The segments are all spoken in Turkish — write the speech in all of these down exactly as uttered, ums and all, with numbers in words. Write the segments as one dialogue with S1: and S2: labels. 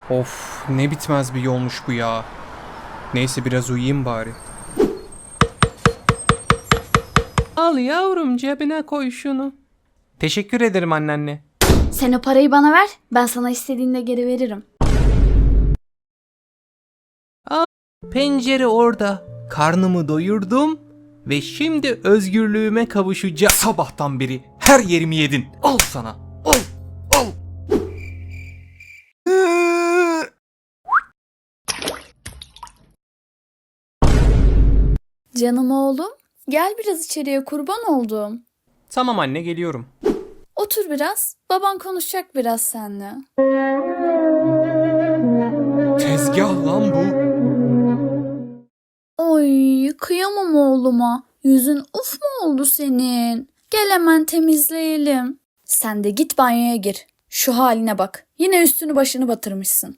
S1: Of, ne bitmez bir yolmuş bu ya. Neyse biraz uyuyayım bari. Al yavrum, cebine koy şunu. Teşekkür ederim anneanne.
S2: Sen o parayı bana ver, ben sana istediğinde geri veririm.
S1: Pencere orada. Karnımı doyurdum ve şimdi özgürlüğüme kavuşacağım. Sabahtan beri her yerimi yedin. Al sana. Al. Al.
S2: Canım oğlum, gel biraz içeriye, kurban oldum.
S1: Tamam anne, geliyorum.
S2: Otur biraz, baban konuşacak biraz seninle.
S1: Tezgah lan bu.
S2: Oy, kıyamam oğluma. Yüzün uf mu oldu senin? Gel hemen temizleyelim. Sen de git banyoya gir. Şu haline bak. Yine üstünü başını batırmışsın.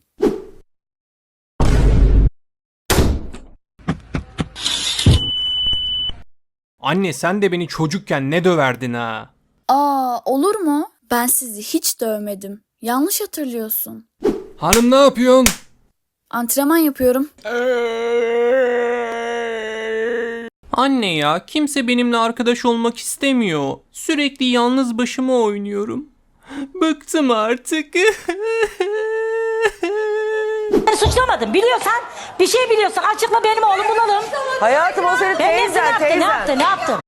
S1: Anne, sen de beni çocukken ne döverdin ha?
S2: Aa, olur mu? Ben sizi hiç dövmedim. Yanlış hatırlıyorsun.
S1: Hanım, ne yapıyorsun?
S2: Antrenman yapıyorum.
S1: Anne ya, kimse benimle arkadaş olmak istemiyor. Sürekli yalnız başıma oynuyorum. Bıktım artık.
S3: Beni suçlamadın. Biliyorsan, bir şey biliyorsan açıkla, benim oğlum bulalım.
S4: Hayatım o senin
S3: Ben neyse, ne
S4: teyzen
S3: yaptı, ne
S4: teyzen.
S3: yaptı, ne yaptı?